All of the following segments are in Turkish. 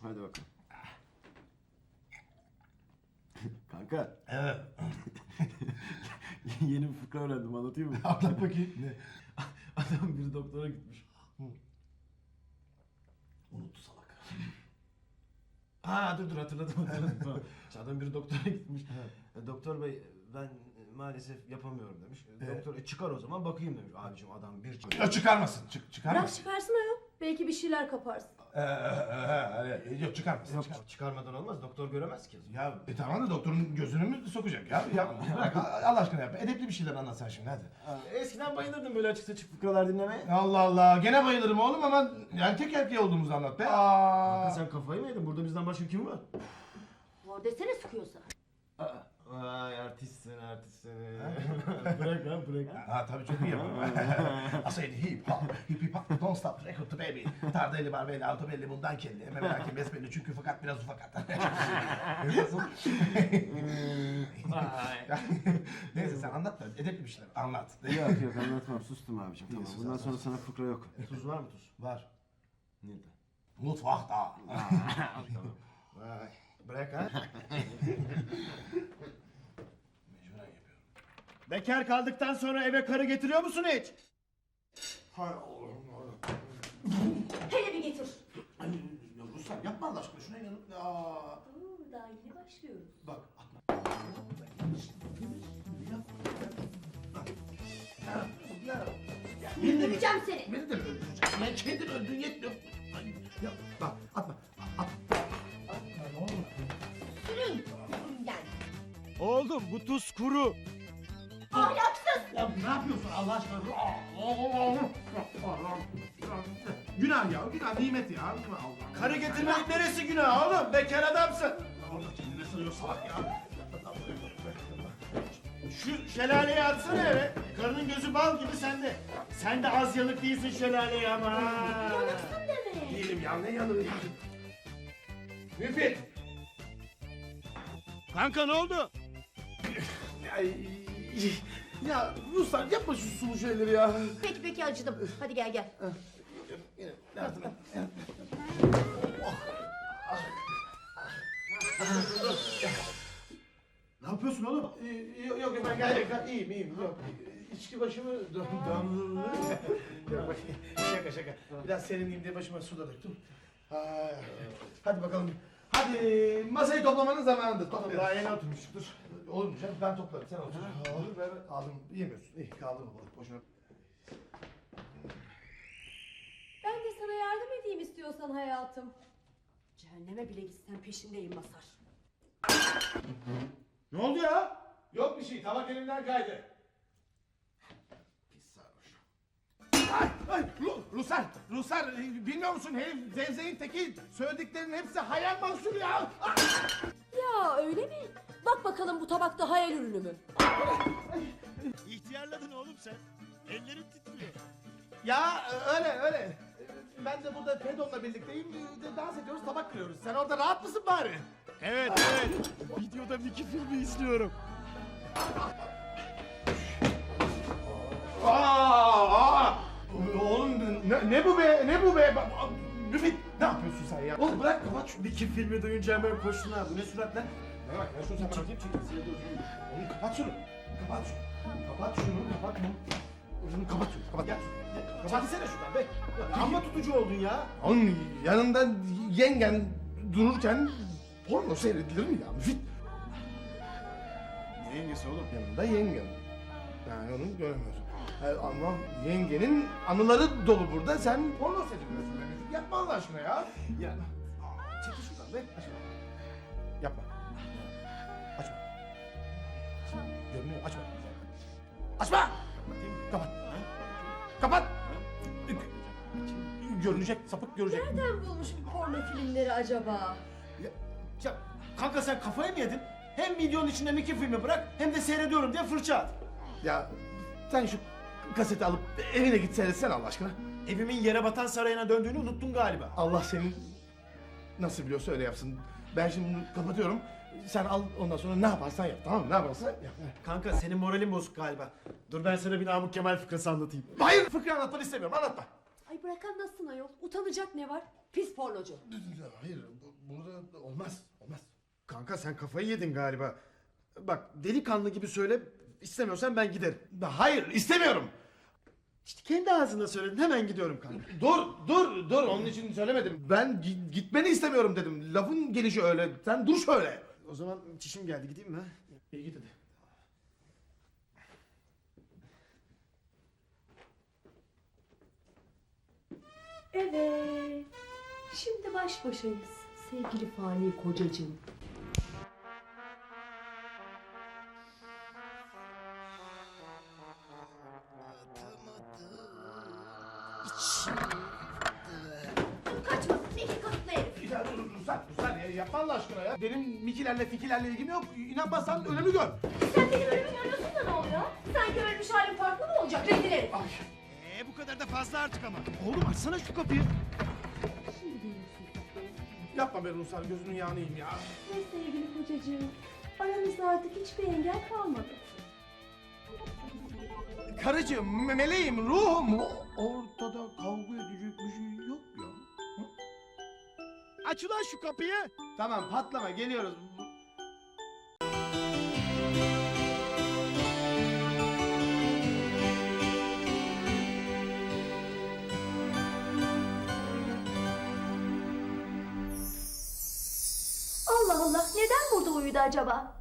Hadi bakalım. Kanka. Evet. Yeni bir fıkra öğrendim, anlatayım mı? Anlat bakayım. Ne? Adam biri doktora gitmiş. Unuttu salak. Ha dur hatırladım. Tamam. İşte adam biri doktora gitmiş. Doktor bey ben maalesef yapamıyorum demiş. Doktor çıkar o zaman bakayım demiş. Abicim adam bir çıkıyor. Ya çıkarmasın. Bırak Çıkarmasın. çıkarsın ayol. Belki bir şeyler kaparsın. Yok çıkarmasın. Yok çıkarmadan olmaz, doktor göremez ki. Ya tamam da doktorun gözünü mü sokacak ya? Ya bırak Allah aşkına yap. Edepli bir şeyler anlat sen şimdi hadi. Eskiden bayılırdım böyle açık saçık fıkralar dinlemeye. Allah Allah. Gene bayılırım oğlum ama erkek erkeğe olduğumuzu anlat be. Kanka sen kafayı mı yedin? Burada bizden başka kim var? Var desene sıkıyorsa. Vay artistsin. bırak. Ha tabii çok iyi yaparım. I said hip hop don't stop record to baby. Tardelli barbelli alto belli bundan kelli. Eme merak besbelli çünkü fakat biraz ufakat. Nasıl? Neyse sen anlat da edepli bir şeyler anlat. Yok anlatmam, sustum abicim. Tamam. sus, Bundan sus. sonra sana fıkra yok. Tuz var mı tuz? Var. Nerede? Mutfakta. Vay. Bırak ha. Mecburen yapıyorum. Bekar kaldıktan sonra eve karı getiriyor musun hiç? Hay Allah'ım. Hele bir getir. Ay, ya Ruslan yapma Allah aşkına şuna inanıp. Daha yeni başlıyoruz. Bak atma. Öldüreceğim seni. Beni de mi öldüreceksin? Ya kendin öldün yetmiyor. Ay, ya bak atma. Atma ne olur. Sürün. Gel. Oğlum bu tuz kuru. Ahlaksız. Ya ne yapıyorsun Allah aşkına? Günah ya, günah nimet ya. Allah. Karı getirmenin neresi günah oğlum? Bekar adamsın. Orada kendine sarıyor salak ya. Şu şelaleyi atsana eve. Karının gözü bal gibi sende. Sen de az yanık değilsin şelaleye ama. Yanıksın demek. Değilim ya, ne yanığı ya. Müfit. Kanka ne oldu? Ay, ya Ruslan yapma şu sulu şeyleri ya. Peki acıdım. Hadi gel. Yine yardım et. Ne yapıyorsun oğlum? Yok ben gayet iyiyim. Yok. İçki başımı döndürdü. Yok bak şaka. Biraz serinleyeyim diye başıma su da döktüm. Hadi bakalım. Hadi masayı toplamanın zamanıdır. Toplayalım. Daha yeni oturmuştuk, dur. Olur mu canım? Ben toplarım. Sen otur. Olur ver. Aldım. Yemiyorsun. İyi kaldı mı balık boşuna. Ben de sana yardım edeyim istiyorsan hayatım. Cehenneme bile gitsen peşindeyim Masar. Ne oldu ya? Yok bir şey. Tabak elimden kaydı. Pis sarhoş. Ay, Ruslar, bilmiyor musun herif zevzeğin teki, söylediklerinin hepsi hayal mahsulü ya. Ya öyle mi? Bak bakalım bu tabakta hayal ürünü mü? İhtiyarladın oğlum sen. Ellerin titriyor. Ya öyle. Ben de burada Fedon'la birlikteyim, dans ediyoruz, tabak kırıyoruz. Sen orada rahat mısın bari? Evet. Videoda Mickey filmi izliyorum. Oğlum ne bu be? Müfit, ne yapıyorsun sen ya? Oğlum bırak kapat şunu. Mickey filmi duyunca hemen koştun ha. Bu ne surat lan? Ne bak ya şunu sen bana. Çekeyim. Oğlum kapat şunu. Kapat şunu. Gel. Çekilsene şuradan be. Amma tutucu oldun ya. Oğlum yanında yengen dururken porno seyredilir mi ya? Müfit. Ne yengesi oğlum? Yanında yengen. Yani onu göremiyorsun. Ama yengenin anıları dolu burada. Sen porno seyrediyorsun. Müfit yapma Allah aşkına ya. Ya. Çekil şuradan be. Açma. Yapma. Açma. Görünüyor. Açma. Açma. Kapat. Kapat. Görünecek. Sapık görecek. Nereden bulmuş bu porno filmleri acaba? Ya kanka sen kafayı mı yedin? Hem videonun içinde Mickey filmi bırak hem de seyrediyorum diye fırça at. Ya sen şu kaseti alıp evine git seyretsen Allah aşkına. Evimin yere batan sarayına döndüğünü unuttun galiba. Allah senin nasıl biliyorsa öyle yapsın. Ben şimdi bunu kapatıyorum. Sen al ondan sonra ne yaparsan yap, tamam mı? Ne yaparsan yap. Kanka senin moralin bozuk galiba. Dur ben sana bir Namık Kemal fıkrası anlatayım. Hayır, fıkra anlatmanı istemiyorum, anlatma. Ay bırak anlatsın ayol. Utanacak ne var? Pis pornocu. Hayır, burada olmaz. Olmaz. Kanka sen kafayı yedin galiba. Bak delikanlı gibi söyle. İstemiyorsan ben giderim. Hayır, istemiyorum. İşte kendi ağzında söyledin, hemen gidiyorum kanka. Dur. Onun için söylemedim. Ben gitmeni istemiyorum dedim. Lafın gelişi öyle. Sen dur şöyle. O zaman çişim geldi, gideyim mi? İyi git hadi. Evet. Şimdi baş başayız. Sevgili fani kocacığım. Kaçma. Miki kasıtlı herif. Ya dur ya. Yapma Allah aşkına ya. Benim Mikilerle Fikilerle ilgim yok. İnanmazsan ölümü gör. Sen benim ölümü görüyorsun da ne oluyor? Sanki ölmüş halim farklı mı olacak? Rezil herif. Bu kadar da fazla artık ama. Oğlum açsana şu kapıyı. Şimdi görürsün tatlım. Yapma be Ruslar, gözünün yağını yiyeyim ya. Ve sevgili kocacığım, aramızda artık hiçbir engel kalmadı. Karıcığım, meleğim, ruhum. Ortada kavga edecek bir şey yok ya. Aç ulan şu kapıyı. Tamam, patlama, geliyoruz. Allah Allah, neden burada uyudu acaba?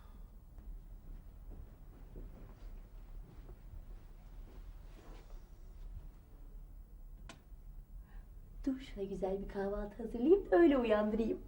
Dur şuna güzel bir kahvaltı hazırlayayım da öyle uyandırayım.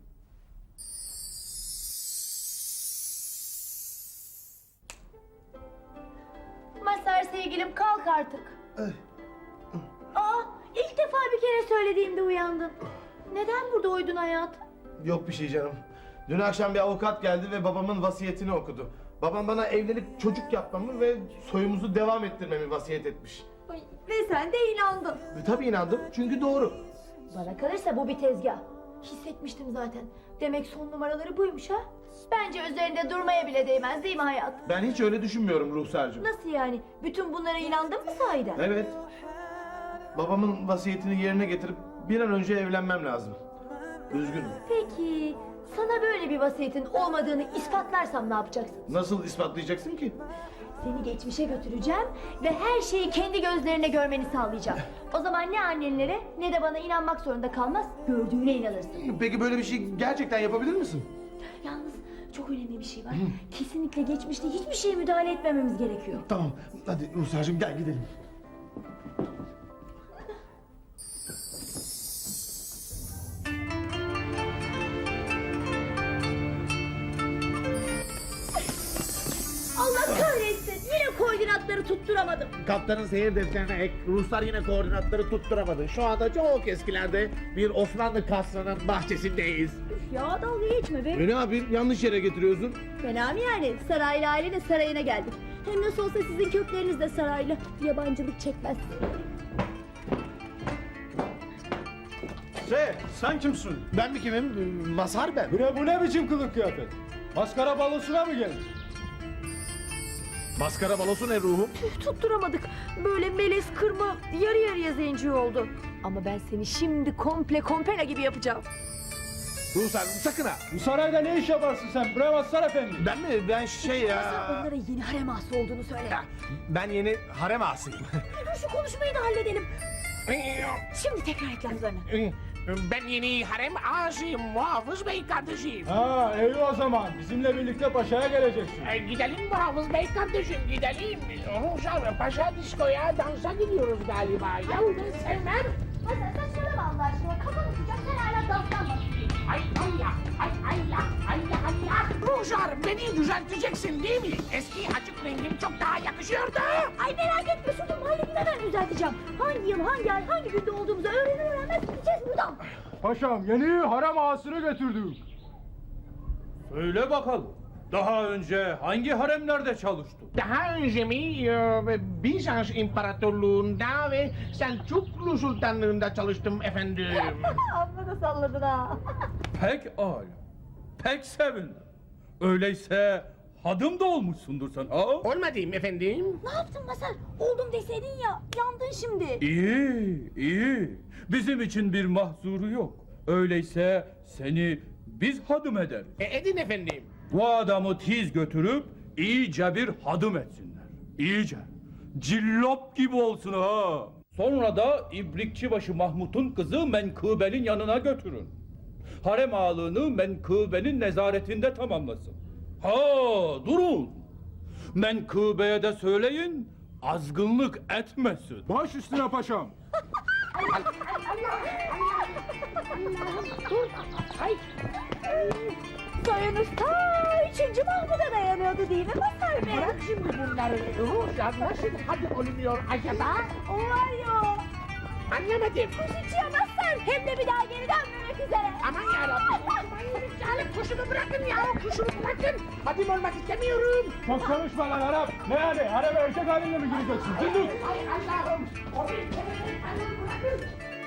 Mazhar sevgilim kalk artık. Aa, ilk defa bir kere söylediğimde uyandın. Neden burada uyudun hayatım? Yok bir şey canım. Dün akşam bir avukat geldi ve babamın vasiyetini okudu. Babam bana evlenip çocuk yapmamı ve soyumuzu devam ettirmemi vasiyet etmiş. Ay, ve sen de inandın. Tabii inandım, çünkü doğru. Bana kalırsa bu bir tezgah. Hissetmiştim zaten. Demek son numaraları buymuş ha? Bence üzerinde durmaya bile değmez değil mi hayatım? Ben hiç öyle düşünmüyorum Ruhsar'cığım. Nasıl yani? Bütün bunlara inandın mı sahiden? Evet. Babamın vasiyetini yerine getirip bir an önce evlenmem lazım. Üzgünüm. Peki, sana böyle bir vasiyetin olmadığını ispatlarsam ne yapacaksın? Nasıl ispatlayacaksın ki? Seni geçmişe götüreceğim ve her şeyi kendi gözlerine görmeni sağlayacağım. O zaman ne annenlere ne de bana inanmak zorunda kalmaz, gördüğüne inanırsın. Peki böyle bir şey gerçekten yapabilir misin? Yalnız çok önemli bir şey var. Kesinlikle geçmişte hiçbir şeye müdahale etmememiz gerekiyor. Tamam. Hadi Ruhsar'cığım gel gidelim. Allah kahretsin, yine koordinatları tutturamadım. Kaptanın seyir defterine ek, Ruslar yine koordinatları tutturamadı. Şu anda çok eskilerde bir Osmanlı kasrının bahçesindeyiz. Üf ya, dalga geçme be. Ne yapayım? Yanlış yere getiriyorsun. Fena mı yani? Saraylı aile de sarayına geldik. Hem nasıl olsa sizin kökleriniz de saraylı. Yabancılık çekmez. Sen kimsin? Ben mi kimim? Mazhar ben. Bu ne biçim kılık kıyafet? Maskara balosuna mı geldin? Maskara balosu ne ruhum? Tutturamadık. Böyle melez kırma yarı yarıya zenci oldu. Ama ben seni şimdi komple kompera gibi yapacağım. Ruhsar sakın ha. Bu sarayda ne iş yaparsın sen? Bre Mazhar Efendi. Ben mi? Ben şey ya. Onlara yeni harem ağası olduğunu söyle. Ben yeni harem ağasıyım. Dur şu konuşmayı da halledelim. Şimdi tekrar et laflarını. Ben yeni harem ağasıyım, Muhafız Bey kardeşim. Ha iyi o zaman. Bizimle birlikte paşaya geleceksin. Gidelim Muhafız Bey kardeşim, gidelim. Ruhsar Paşa diskoya dansa gidiyoruz galiba. Ya ben sevmem. Hadi saçmalama Allah aşkına. Kafanı sıcak sen hala danstan bahsediyorsun. Ay Allah, ay Allah, Allah Allah. Ruhsar beni düzelteceksin değil mi? Eski açık rengim çok daha yakışıyordu. Ay merak etme Sultan halledin, düzelteceğim. Hangi yıl, hangi ay, hangi günde olduğumuzu öğrenir öğrenmez gideceğiz buradan. Paşam yeni harem ağasını getirdik. Söyle bakalım. Daha önce hangi haremlerde çalıştın? Daha önce mi Bizans İmparatorluğu'nda ve Selçuklu Sultanlığı'nda çalıştım efendim. Amma da salladın ha. Pek âlâ. Pek sevindim. Öyleyse hadım da olmuşsundur sen ha? Olmadım efendim. Ne yaptın Masar? Oldum deseydin ya. Yandın şimdi. İyi, iyi. Bizim için bir mahzuru yok. Öyleyse seni biz hadım ederiz. Edin efendim. Bu adamı tiz götürüp iyice bir hadım etsinler. İyice. Cillop gibi olsun ha. Sonra da İbrikçibaşı Mahmut'un kızı Menkıbe'nin yanına götürün. Harem ağalığını Menkıbe'nin nezaretinde tamamlasın. Ha durun. Menkıbe'ye de söyleyin azgınlık etmesin. Baş üstüne paşam. Soyunuz ta 3. Mahmud'a dayanıyordu değil mi Masar Bey? Bırak şimdi bunları. Ruhsar nasıl hadi olunuyor acaba? O var ya. Anlamadım. Kuşucuya Masar. Hem de bir daha geri dönmemek üzere. Aman yarabbim. Aman Salih kuşumu bırakın ya. Kuşumu bırakın. Hadim olmak istemiyorum. Çok konuşma lan Arap. Ne yani? Harem erkek haline mi gireceksin? Zındık. Ay Allah'ım. Bırakın.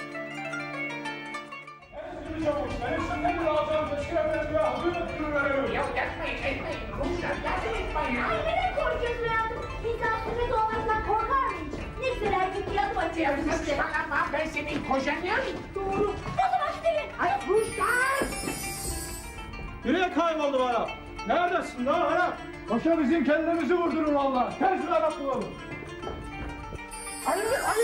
Ya yapmayın etmeyin. Ruhsar yardım etmeyin ya. Ay neden korkuyorsun hayatım? İnsan sünnet olmaktan korkar mı hiç? Ne güzel erkek bir adım atıyorsun işte. Saçmalama ben senin kocanım. Doğru. O zaman gidelim. Ay Ruhsar. Nereye kayboldu bu Arap? Neredesin lan Arap? Paşa bizim kendimizi vurdurur valla. Ters bir Arap bulalım. Ay.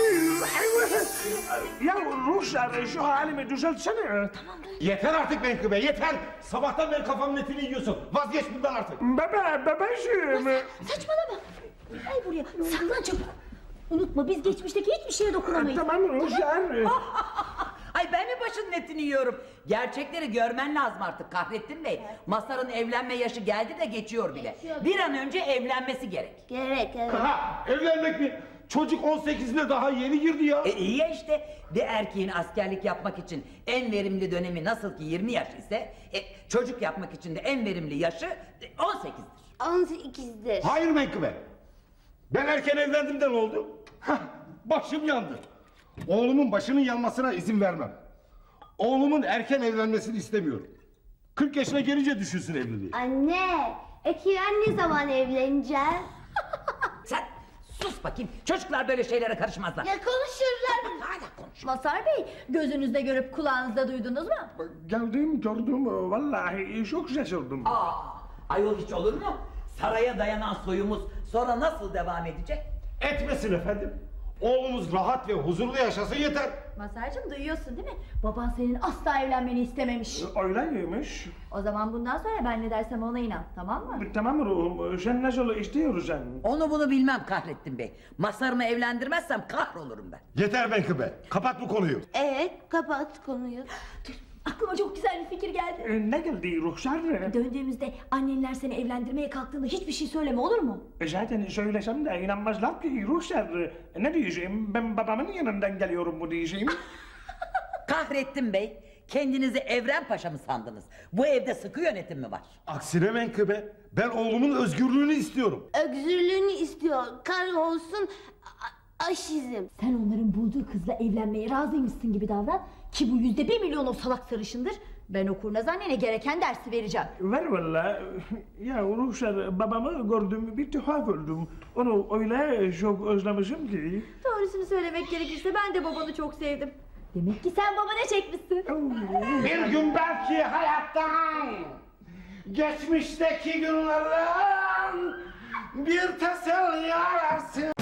Ya Ruhsar şu halimi düzeltsene. Yeter artık Menkıbe yeter. Sabahtan beri kafamın etini yiyorsun. Vazgeç bundan artık. Bebeğim. Saçmalama. Ay buraya. Saklan çabuk. Unutma biz geçmişteki hiçbir şeye dokunamayız. Tamam Ruhsar. Ay ben mi başının etini yiyorum? Gerçekleri görmen lazım artık Kahrettin Bey. Masar'ın evlenme yaşı geldi de geçiyor bile. Bir an önce evlenmesi gerek. Gerek evet. Ha evlenmek mi? Çocuk 18'ine daha yeni girdi ya. İyi ya işte bir erkeğin askerlik yapmak için en verimli dönemi nasıl ki 20 yaş ise çocuk yapmak için de en verimli yaşı 18'dir. 18'dir. Hayır Menkıbe. Ben erken evlendim de ne oldu? Hah, başım yandı. Oğlumun başının yanmasına izin vermem. Oğlumun erken evlenmesini istemiyorum. 40 yaşına gelince düşünsün evliliği. Anne, ben ne zaman evleneceğim? Sen sus bakayım çocuklar böyle şeylere karışmazlar. Ya konuşurlar. Hala konuş. Masar Bey, gözünüzde görüp kulağınızda duydunuz mu? Geldim gördüm vallahi çok şaşırdım. Ayol hiç olur mu? Saraya dayanan soyumuz sonra nasıl devam edecek? Etmesin efendim. Oğlumuz rahat ve huzurlu yaşasın yeter. Masarcığım duyuyorsun değil mi? Baban senin asla evlenmeni istememiş. Öyleymiş. O zaman bundan sonra ben ne dersem ona inan, tamam mı? Tamam ruhum sen nasıl istiyorsan. Onu bunu bilmem Kahrettin Bey. Masarımı evlendirmezsem kahrolurum ben. Yeter Menkıbe. Kapat bu konuyu. Evet, kapat konuyu. Dur, aklıma çok güzel bir fikir geldi. Ne geldi Ruhsar? Döndüğümüzde annenler seni evlendirmeye kalktığında hiçbir şey söyleme olur mu? Zaten söylesem de inanmazlar ki Ruhsar. Ne diyeceğim ben babamın yanından geliyorum mu diyeceğim. Kahrettin Bey, kendinizi Evren Paşa mı sandınız? Bu evde sıkı yönetim mi var? Aksine Menkıbe. Ben oğlumun özgürlüğünü istiyorum. Özgürlüğünü istiyor. Kar olsun aşizm. Sen onların bulduğu kızla evlenmeye razıymışsın gibi davran ki bu %1 milyon o salak sarışındır. Ben o kurnaz annene gereken dersi vereceğim. Ver valla. Ya Ruhsar babamı gördüm bir tuhaf oldum. Onu öyle çok özlemişim ki. Doğrusunu söylemek gerekirse ben de babanı çok sevdim. Demek ki sen babana çekmişsin. Bir gün belki hayattan, geçmişteki günlerden bir teselli ararsın.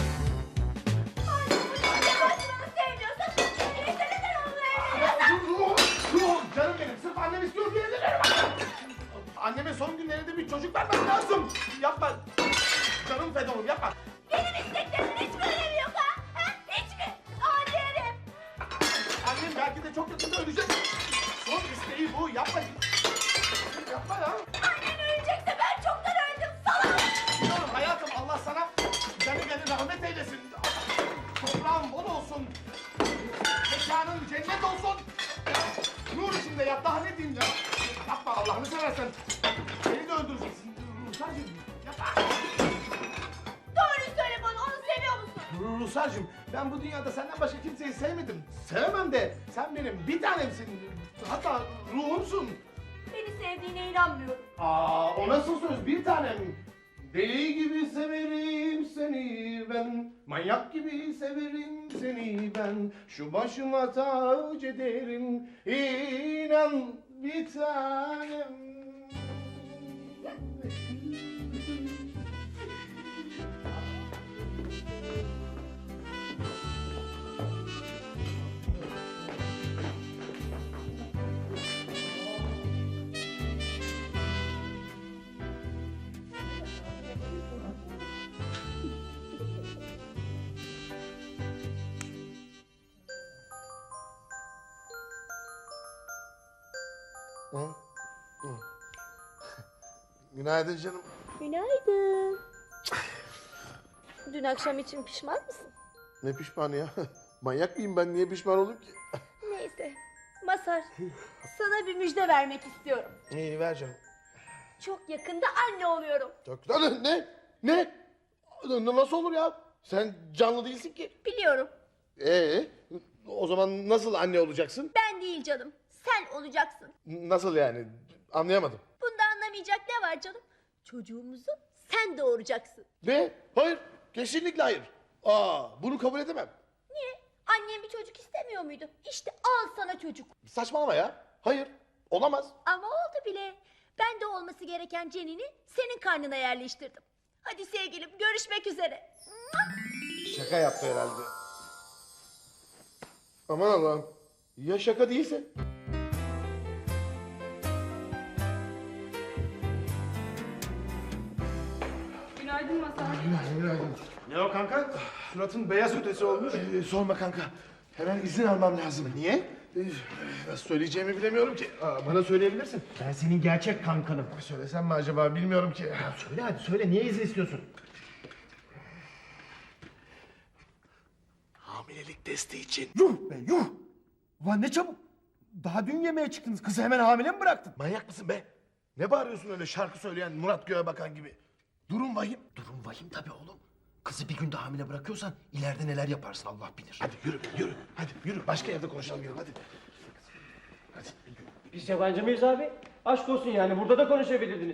Canım benim, sırf annem istiyor diye evleniyorum. Anneme son günlerinde bir çocuk vermem lazım. Yapma. Canım Fedon'um yapma. Benim isteklerimin hiç mi önemi yok ha? Hiç mi? Adi herif. Annem belki de çok yakında ölecek. Son isteği bu. Yapma. Yapma ya. Annen ölecekse ben çoktan öldüm salak. Biliyorum hayatım, Allah sana canı rahmet eylesin. Toprağın bol olsun. Mekanın cennet olsun. Nur içinde yat, daha ne diyeyim ya? Yapma Allah'ını seversen. Beni de öldüreceksin. Ruhsarcığım yapma. Doğruyu söyle bana, onu seviyor musun? Ruhsarcığım, ben bu dünyada senden başka kimseyi sevmedim. Sevemem de sen benim bir tanemsin. Hatta ruhumsun. Beni sevdiğine inanmıyorum. O nasıl söz bir tanem? Deli gibi severim seni ben, manyak gibi severim seni ben. Şu başıma tac ederim, inan bir tanem. Günaydın canım. Günaydın. Dün akşam için pişman mısın? Ne pişmanı ya? Manyak mıyım ben? Niye pişman olayım ki? Neyse. Mazhar, sana bir müjde vermek istiyorum. İyi ver canım. Çok yakında anne oluyorum. Çok güzel. Ne? Ne? Nasıl olur ya? Sen canlı değilsin ki. Biliyorum. O zaman nasıl anne olacaksın? Ben değil canım. Sen olacaksın. Nasıl yani? Anlayamadım. Bunda anlamayacak ne var canım? Çocuğumuzu sen doğuracaksın. Ne? Hayır. Kesinlikle hayır. Bunu kabul edemem. Niye? Annem bir çocuk istemiyor muydu? İşte al sana çocuk. Saçmalama ya. Hayır. Olamaz. Ama oldu bile. Ben de olması gereken cenini senin karnına yerleştirdim. Hadi sevgilim, görüşmek üzere. Şaka yaptı herhalde. Aman Allah'ım. Ya şaka değilse? Günaydın Mazhar. Günaydın. Ne o kanka? Suratın beyaz ötesi olmuş. Sorma kanka. Hemen izin almam lazım. Niye? Nasıl söyleyeceğimi bilemiyorum ki. Bana söyleyebilirsin. Ben senin gerçek kankanım. Söylesem mi acaba bilmiyorum ki. Söyle hadi söyle, niye izin istiyorsun? Hamilelik testi için. Yuh be yuh! Ulan ne çabuk! Daha dün yemeğe çıktınız, kızı hemen hamile mi bıraktın? Manyak mısın be? Ne bağırıyorsun öyle şarkı söyleyen Murat Göğe Bakan gibi? Durum vahim. Durum vahim tabii oğlum. Kızı bir günde hamile bırakıyorsan ileride neler yaparsın Allah bilir. Hadi yürü, yürü. Hadi yürü. Başka yerde konuşalım yürü hadi. Biz yabancı mıyız abi? Aşk olsun yani burada da konuşabilirdiniz.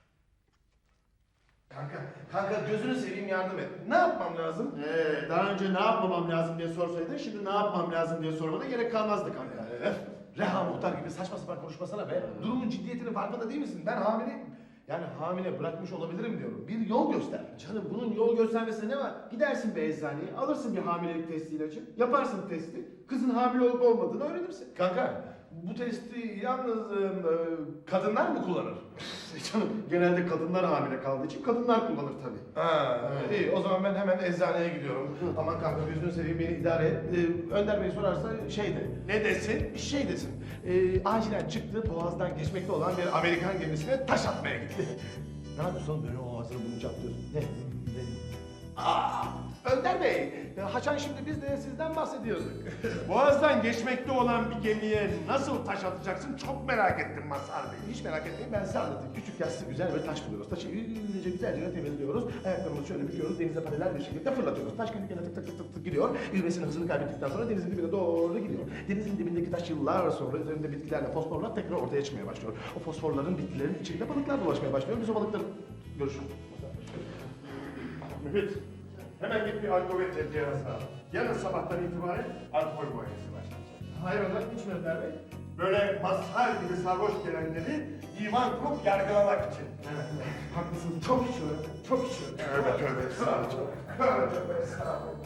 Kanka gözünü seveyim yardım et. Ne yapmam lazım? Daha önce ne yapmamam lazım diye sorsaydın, şimdi ne yapmam lazım diye sormana gerek kalmazdı kanka. Reha Muhtar gibi saçma sapan konuşmasana be. Durumun ciddiyetinin farkında değil misin? Ben hamileyim. Yani hamile bırakmış olabilirim diyorum. Bir yol göster. Canım bunun yol göstermesine ne var? Gidersin bir eczaneye, alırsın bir hamilelik testi ilacı, yaparsın testi, kızın hamile olup olmadığını öğrenirsin. Kanka bu testi yalnız kadınlar mı kullanır? Canım genelde kadınlar hamile kaldığı için kadınlar kullanır tabii. İyi o zaman ben hemen eczaneye gidiyorum. Aman kanka gözünü seveyim beni idare et. Önder Bey sorarsa şey de. Ne desin? Şey desin. Acilen çıktı boğazdan geçmekte olan bir Amerikan gemisine taş atmaya gitti. Ne yapıyorsun oğlum böyle o ağzını bunu çaplıyorsun? Ne? Önder Bey, Haçan şimdi biz de sizden bahsediyorduk. Boğaz'dan geçmekte olan bir gemiye nasıl taş atacaksın çok merak ettim Mazhar Bey. Hiç merak etmeyin ben size anlatayım. Küçük yassı güzel bir taş buluyoruz. Taşı güzelce temizliyoruz. Ayaklarımızı şöyle büküyoruz. Denize paralel bir şekilde fırlatıyoruz. Taş kendi kendine tık tık tık tık tık gidiyor. Yüzmesinin hızını kaybettikten sonra denizin dibine doğru gidiyor. Denizin dibindeki taş yıllar sonra üzerinde bitkilerle fosforlar tekrar ortaya çıkmaya başlıyor. O fosforların bitkilerin içinde balıklar dolaşmaya başlıyor. Biz o balıkları görüşürüz. Müfit, hemen git bir alkol cihazı al. Yarın sabahtan itibaren alkol muayenesi başlayacak. Hayrola hiç mi Önder Bey? Böyle Mazhar gibi sarhoş gelenleri divan kurup yargılamak için. Evet, haklısın. Çok içiyorum. Çok içiyorum. Tövbe tövbe estağfurullah. Tövbe tövbe estağfurullah.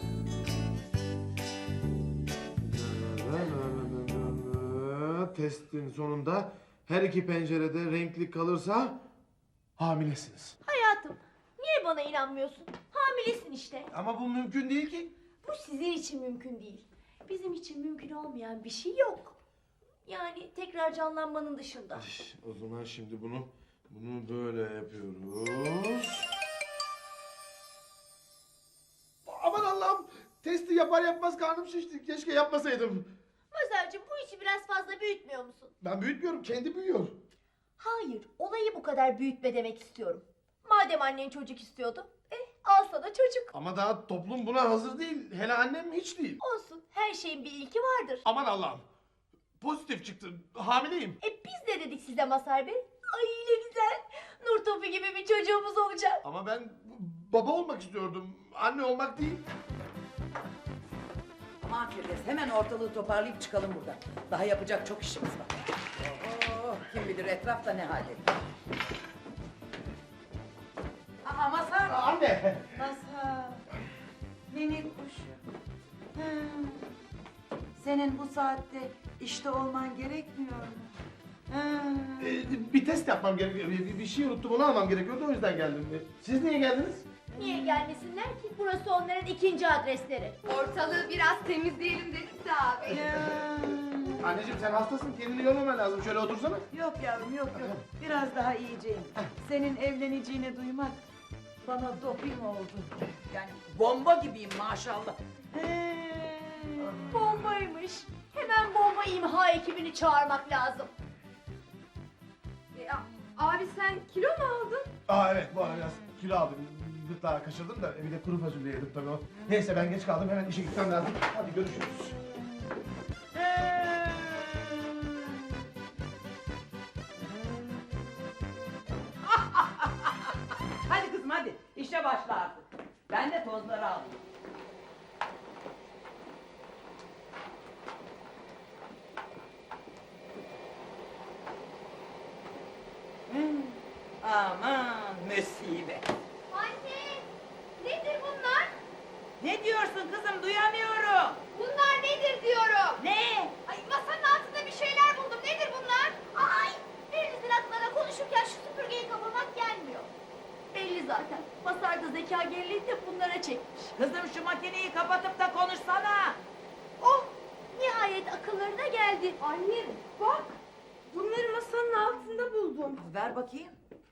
Testin sonunda her iki pencerede renkli kalırsa hamilesiniz. Hayatım, niye bana inanmıyorsun? Hamilesin işte. Ama bu mümkün değil ki. Bu sizin için mümkün değil. Bizim için mümkün olmayan bir şey yok. Yani tekrar canlanmanın dışında. O zaman şimdi bunu böyle yapıyoruz. Aman Allah'ım! Testi yapar yapmaz karnım şişti. Keşke yapmasaydım. Mazhar'cığım bu işi biraz fazla büyütmüyor musun? Ben büyütmüyorum, kendi büyüyor. Hayır, olayı bu kadar büyütme demek istiyorum. Madem annen çocuk istiyordu, al sana çocuk. Ama daha toplum buna hazır değil. Hele annem hiç değil. Olsun, her şeyin bir ilki vardır. Aman Allah'ım! Pozitif çıktı. Hamileyim. Biz de dedik size Mazhar Bey. Ay ne güzel. Nur topu topu gibi bir çocuğumuz olacak. Ama ben baba olmak istiyordum. Anne olmak değil. Aman Firdevs hemen ortalığı toparlayıp çıkalım buradan. Daha yapacak çok işimiz var. Oh, kim bilir etrafta ne halde. Aa Mazhar. Anne. Mazhar. Minik kuşum. Ha. Senin bu saatte işte olman gerekmiyor mu? Ha. Bir test yapmam gerekiyor. Bir şey unuttum, onu almam gerekiyordu, o yüzden geldim. Siz niye geldiniz? Niye gelmesinler ki? Burası onların ikinci adresleri. Ortalığı biraz temizleyelim dedik de abi. Anneciğim sen hastasın, kendini yormaman lazım. Şöyle otursana. Yok yavrum yok. Biraz daha iyiceyim. Senin evleneceğini duymak bana doping oldu. Yani bomba gibiyim maşallah. Bombaymış. Hemen bomba imha ekibini çağırmak lazım. Abi sen kilo mu aldın? Evet, bu ara biraz kilo aldım. Gırtlağı kaçırdım da bir de kuru fasulye yedim tabii o. Neyse ben geç kaldım, hemen işe gitmem lazım. Hadi görüşürüz. Hadi kızım hadi işe başla artık. Ben de tozları alayım. Aman musibet. Anne! Nedir bunlar? Ne diyorsun kızım duyamıyorum. Bunlar nedir diyorum. Ne? Ay masanın altında bir şeyler buldum. Nedir bunlar? Ay! Birinizin aklına konuşurken şu süpürgeyi kapamak gelmiyor. Belli zaten. Masarda zeka geriliğini de bunlara çekmiş. Kızım şu makineyi kapatıp da konuşsana. Oh! Nihayet akıllarına geldi. Anne bak. Bunları masanın altında buldum. Ver bakayım.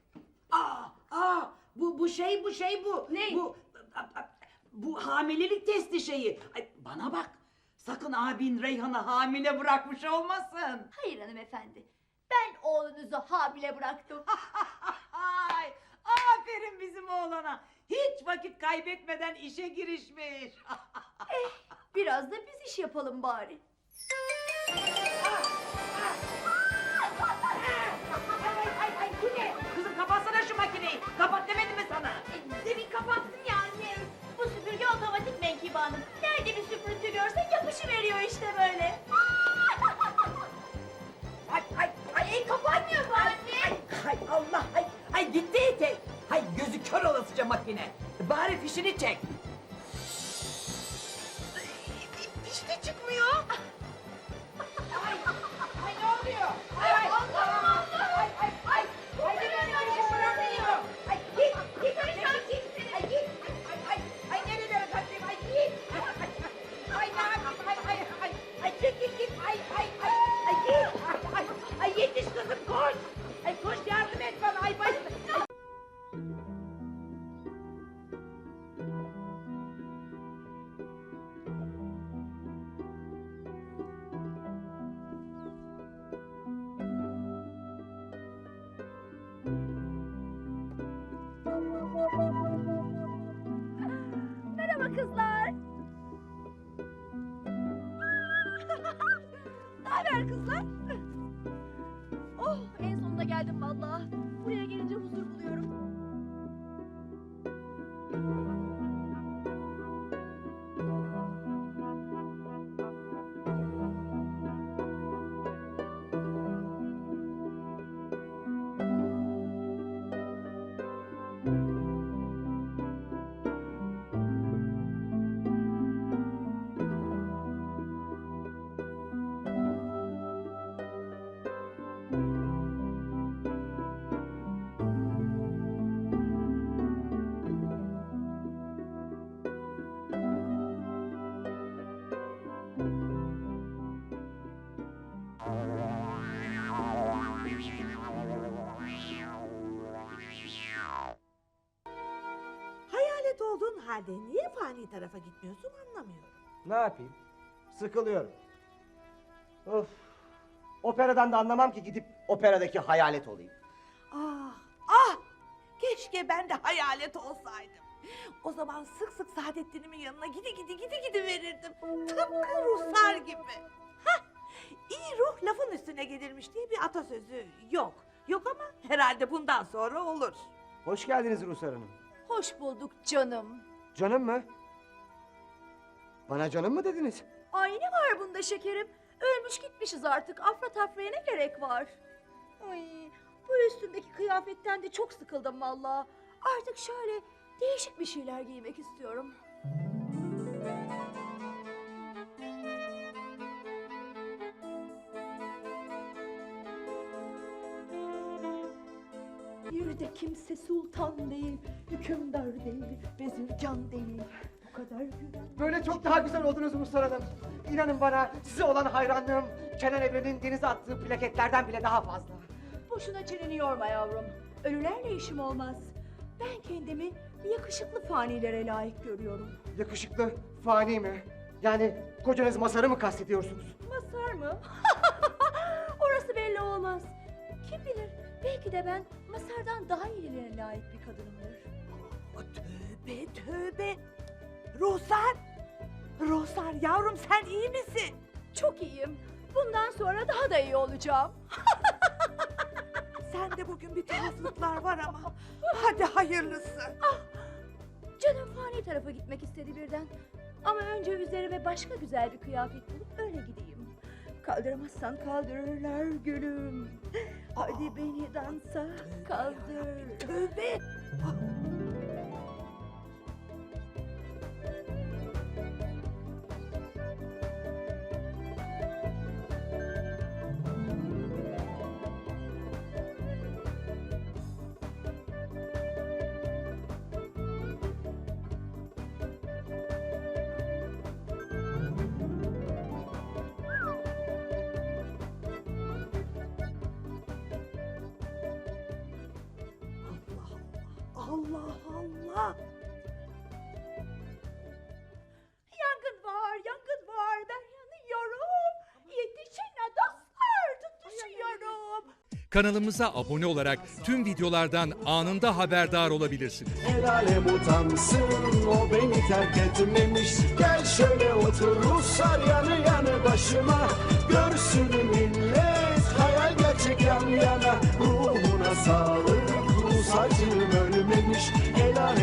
Bu şey bu. Ne? Bu hamilelik testi şeyi. Ay, bana bak. Sakın abin Reyhan'ı hamile bırakmış olmasın. Hayır hanımefendi. Ben oğlunuzu hamile bıraktım. Ay, aferin bizim oğlana. Hiç vakit kaybetmeden işe girişmiş. Biraz da biz iş yapalım bari. Ay, bu ne? Kızım kapatsana şu makineyi. Kapat demedim mi sana? Demin kapattım ya anne. Bu süpürge otomatik Menkibe Hanım. Nerede bir süpürüntü görsek yapışıveriyor işte böyle. Ay, kapanmıyor bu anne. Hay Allah, ay gitti ite. Hay gözü kör olasıca makine. Bari fişini çek. Hiç de çıkmıyor. Ay ne oluyor? Ay, Allah! Ay nerelere kaçayım? Ay git. Ay ne yapayım? Ay git. Ay git. Ay yetiş kızım koş. Ay koş yardım et bana. Ay başım. Merhaba kızlar. Ne haber kızlar? Oh, en sonunda geldim vallahi. Buraya gelince huzur buluyorum. Hayalet olduğun halde niye fani tarafa gitmiyorsun anlamıyorum. Ne yapayım? Sıkılıyorum. Of. Operadan da anlamam ki gidip operadaki hayalet olayım. Ah! Keşke ben de hayalet olsaydım. O zaman sık sık Saadettin'imin yanına gidi verirdim. Tıpkı ruhsar gibi. Hah! İyi ruh lafın üstüne gelirmiş diye bir atasözü yok. yok ama herhalde bundan sonra olur. Hoş geldiniz Ruhsar Hanım. Hoş bulduk canım. Canım mı? Bana canım mı dediniz? Ay ne var bunda şekerim? Ölmüş gitmişiz artık. Afra tafraya ne gerek var? Ay, bu üstümdeki kıyafetten de çok sıkıldım vallahi. Artık şöyle değişik bir şeyler giymek istiyorum. Bir de kimse sultan değil, hükümdar değil, vezirgan değil. Bu kadar güven. Böyle çok daha güzel oldunuz Ruhsar Hanım. İnanın bana size olan hayranlığım Kenan Evren'in denize attığı plaketlerden bile daha fazla. Boşuna çeneni yorma yavrum. Ölülerle işim olmaz. Ben kendimi yakışıklı fanilere layık görüyorum. Yakışıklı, fani mi? Yani kocanız Masar'ı mı kastediyorsunuz? Mazhar mı? Orası belli olmaz. Kim bilir, belki de ben Mazhar'dan daha iyilerine layık bir kadınımdır. Tövbe tövbe. Ruhsar. Ruhsar yavrum sen iyi misin? Çok iyiyim. Bundan sonra daha da iyi olacağım. Sende bugün bir tuhaflıklar var ama. Hadi hayırlısı. Canım fani tarafa gitmek istedi birden. Ama önce üzerime başka güzel bir kıyafet bulup öyle gideyim. Kaldıramazsan kaldırırlar gülüm. Hadi beni dansa kaldır. Tövbe. Allah Allah. Yangın var, ben yanıyorum. Yetişin dostlar, tutuşuyorum. Kanalımıza abone olarak tüm videolardan anında haberdar olabilirsiniz. El alem utansın, o beni terk etmemiş. Gel şöyle otur Ruslar yanı yanı başıma. Görsün millet hayal gerçek yan yana.